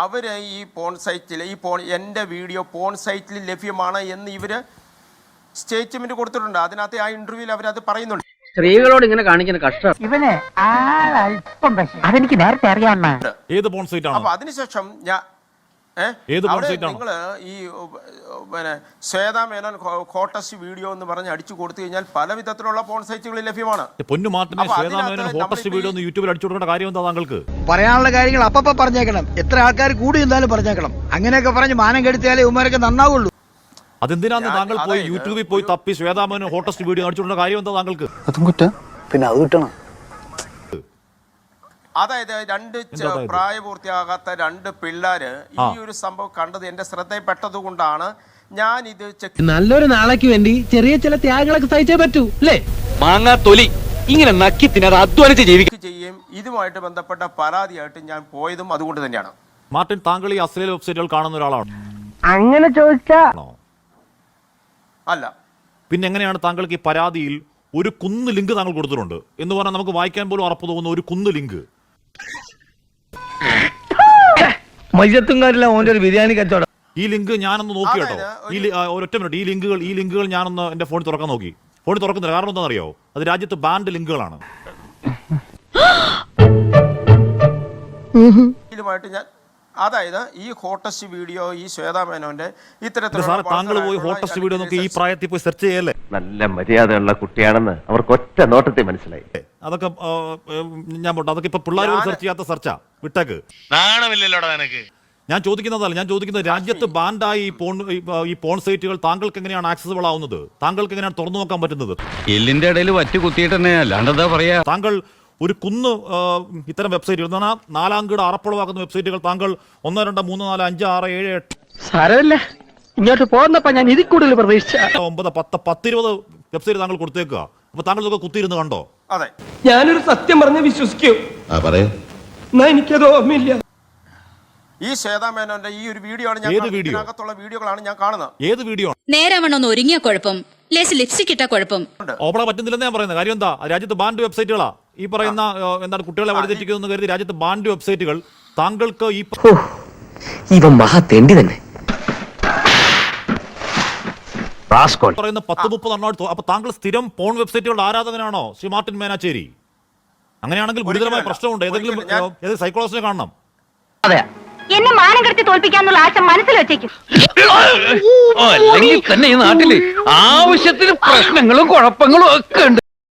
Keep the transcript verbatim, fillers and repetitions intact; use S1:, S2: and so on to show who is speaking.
S1: അവര് ഈ പോൺ സൈറ്റിൽ ഈ പോൺ എൻ്റെ വീഡിയോ പോൺ സൈറ്റിൽ ലഭ്യമാണ് എന്ന് ഇവര് സ്റ്റേറ്റ്മെന്റ് കൊടുത്തിട്ടുണ്ട്. അതിനകത്ത് ആ ഇന്റർവ്യൂവിൽ അവരത് പറയുന്നുണ്ട്.
S2: സ്ത്രീകളോട് ഇങ്ങനെ കാണിക്കുന്ന കഷ്ടം
S3: ഇവനെ അതെനിക്ക് നേരത്തെ അറിയാവുന്ന.
S4: ഏത് പോൺ സൈറ്റ് ആണ്?
S1: അപ്പൊ അതിനുശേഷം ഞാൻ നിങ്ങൾ ഈ പിന്നെ ശ്വേതാ മേനോൻ ഹോട്ടസ്റ്റ് വീഡിയോ എന്ന് പറഞ്ഞ് അടിച്ചു കൊടുത്തു കഴിഞ്ഞാൽ പല വിധത്തിലുള്ള പോൺ സൈറ്റുകൾ ലഭ്യമാണ്.
S4: പൊന്നു മാർട്ടിനെ ശ്വേതാ മേനോൻ ഹോട്ടസ്റ്റ് വീഡിയോ ഒന്ന് യൂട്യൂബിൽ അടിച്ചു കൊടുക്കേണ്ട കാര്യം എന്താ താങ്കൾക്ക്?
S5: പറയാനുള്ള കാര്യങ്ങൾ അപ്പപ്പ പറഞ്ഞേക്കണം. എത്ര ആൾക്കാർ കൂടി എന്തായാലും പറഞ്ഞേക്കണം. അങ്ങനെയൊക്കെ പറഞ്ഞ് മാനം കെടുത്തിയാലേ ഉമ്മാരൊക്കെ നന്നാവുള്ളൂ.
S4: അതെന്തിനാന്ന് താങ്കൾ പോയി യൂട്യൂബിൽ പോയി തപ്പി ശ്വേതാ മേനോൻ ഹോട്ടസ്റ്റ് വീഡിയോ അടിച്ചു കൊടുക്കേണ്ട കാര്യം എന്താ താങ്കൾക്ക്?
S5: അതും കുറ്റം. പിന്നെ അത് കിട്ടണം.
S1: അതായത് രണ്ട് പ്രായപൂർത്തിയാകാത്ത രണ്ട് പിള്ളേര് ഈ ഒരു സംഭവം കണ്ടത് എന്റെ ശ്രദ്ധയിൽപ്പെട്ടത് കൊണ്ടാണ് ഞാൻ ഇത്
S6: നല്ലൊരു നാളേക്ക് വേണ്ടി ചെറിയ ചില ത്യാഗങ്ങളൊക്കെ സഹിച്ചേ പറ്റൂ അല്ലേ?
S2: മാങ്ങാ തൊലി ഇങ്ങനെ നക്കി തിന്നത് അധ്വാനിച്ച് ജീവിക്കും
S1: ചെയ്യും. ഇതുമായിട്ട് ബന്ധപ്പെട്ട പരാതിയായിട്ട് ഞാൻ പോയതും അതുകൊണ്ട് തന്നെയാണ്.
S4: മാർട്ടിൻ, താങ്കൾ ഈ അശ്ലീല വെബ്സൈറ്റുകൾ കാണുന്ന ഒരാളാണ്?
S3: അങ്ങനെ ചോദിച്ചാ
S1: അല്ല.
S4: പിന്നെ എങ്ങനെയാണ് താങ്കൾക്ക് ഈ പരാതിയിൽ ഒരു കുന്ന് ലിങ്ക് താങ്കൾ കൊടുത്തിട്ടുണ്ട് എന്ന് പറഞ്ഞാൽ നമുക്ക് വായിക്കാൻ പോലും ഉറപ്പ് തോന്നുന്ന ഒരു കുന്ന് ലിങ്ക്?
S6: മയ്യത്തുംകാരില്ല ഓന്റെ ഒരു ബിരിയാണി കച്ചവടം.
S4: ഈ ലിങ്ക് ഞാനൊന്ന് നോക്കി കേട്ടോ. ഈ ഒരൊറ്റ മിനിറ്റ്, ഈ ലിങ്കുകൾ ഈ ലിങ്കുകൾ ഞാനൊന്ന് എന്റെ ഫോണിൽ തുറക്കാൻ നോക്കി. ഫോണിൽ തുറക്കുന്നില്ല. കാരണം എന്താണെന്നറിയോ? അത് രാജ്യത്ത് ബാൻഡ് ലിങ്കുകളാണ്.
S1: ഇതുമായിട്ട് ഞാൻ അതായത് ഈ ഹോട്ടസ്റ്റ് വീഡിയോ ഈ ശ്വേതാ മേനോന്റെ
S4: ഇത്തരത്തിലുള്ള താങ്കൾ പോയി ഹോട്ടസ്റ്റ് വീഡിയോ നോക്കി ഈ പ്രായത്തിൽ പോയി സെർച്ച് ചെയ്യല്ലേ?
S7: നല്ല മര്യാദയുള്ള കുട്ടിയാണെന്ന് അവർക്ക് ഒറ്റ നോട്ടത്തിൽ മനസ്സിലായി.
S4: അതൊക്കെ ഞാൻ പോട്ടെ, അതൊക്കെ ഇപ്പൊ പിള്ളേർ സെർച്ച് ചെയ്യാത്ത സെർച്ചാ. വിട്ടേക്ക്. ഞാൻ ചോദിക്കുന്നതല്ല, ഞാൻ ചോദിക്കുന്നത് രാജ്യത്ത് ബാൻഡായി ഈ പോൺ ഈ പോൺ സൈറ്റുകൾ താങ്കൾക്ക് എങ്ങനെയാണ് ആക്സസിബിൾ ആവുന്നത്? താങ്കൾക്ക് എങ്ങനെയാണ് തുറന്നു നോക്കാൻ പറ്റുന്നത്?
S2: എല്ലിന്റെ ഇടയിൽ വറ്റി കുത്തിയിട്ട് തന്നെ അല്ലാണ്ടെന്താ പറയാ.
S4: താങ്കൾ ഒരു കുന്ന് ഇത്തരം വെബ്സൈറ്റുകൾ നാലാംകിട അറപ്പുളവാക്കുന്ന വെബ്സൈറ്റുകൾ താങ്കൾ ഒന്ന് രണ്ട് മൂന്ന് നാല് അഞ്ച് ആറ് ഏഴ് എട്ട്
S6: സാരമില്ല, ഇങ്ങോട്ട് പോകുന്നപ്പോ ഞാൻ ഇതിൽ കൂടുതൽ പ്രതീക്ഷിച്ച
S4: ഒമ്പത് പത്ത് പത്തിരുപത് വെബ്സൈറ്റ് താങ്കൾ കൊടുത്തേക്കുക. അപ്പൊ താങ്കൾ ഇതൊക്കെ കുത്തിയിരുന്ന് കണ്ടോ?
S1: അതെ,
S6: ഞാനൊരു സത്യം പറഞ്ഞ് വിശ്വസിക്കൂ. എന്നാ എനിക്കത് ഓർമ്മയില്ല.
S1: ഈ ശ്വേതാ മേനോന്റെ ഈ ഒരു വീഡിയോ ആണ് ഞാൻ ഇതിനകത്തുള്ള വീഡിയോകളാണ് ഞാൻ കാണുന്നത്.
S4: ഏത് വീഡിയോ?
S8: നേരവണ്ണം ഒരുങ്ങിയ കുഴപ്പം, ലേസ് ലിപ്സ്റ്റിക് ഇട്ട കുഴപ്പം.
S4: ഓപ്പണ പറ്റുന്നില്ലെന്ന് ഞാൻ പറയുന്നത്. കാര്യം എന്താ? രാജ്യത്ത് ബാൻഡ് വെബ്സൈറ്റുകളാ ഈ പറയുന്ന എന്താണ് കുട്ടികളെ വഴിതെറ്റിക്കുന്നു കരുതി രാജ്യത്ത് ബാൻഡ് വെബ്സൈറ്റുകൾ താങ്കൾക്ക് ഈ
S6: ഇവ മഹാ തെണ്ടി തന്നെ
S4: പറയുന്ന പത്ത് മുപ്പത് എണ്ണോട്. അപ്പൊ താങ്കൾ സ്ഥിരം പോൺ വെബ്സൈറ്റുകളുടെ ആരാധകനാണോ ശ്രീ മാർട്ടിൻ മേനാച്ചേരി? അങ്ങനെയാണെങ്കിൽ ഗുരുതരമായ പ്രശ്നമുണ്ട്. ഏതെങ്കിലും ഏത് സൈക്കോളജിനെ കാണണം.
S3: അതെ, എന്നെ മാനം കെടുത്തി തോൽപ്പിക്കാന്നുള്ള ആശ മനസ്സിൽ വെച്ചേക്കും.
S2: അല്ലെങ്കിൽ തന്നെ ഈ നാട്ടില് ആവശ്യത്തിന് പ്രശ്നങ്ങളും കുഴപ്പങ്ങളും ഒക്കെ ഉണ്ട്.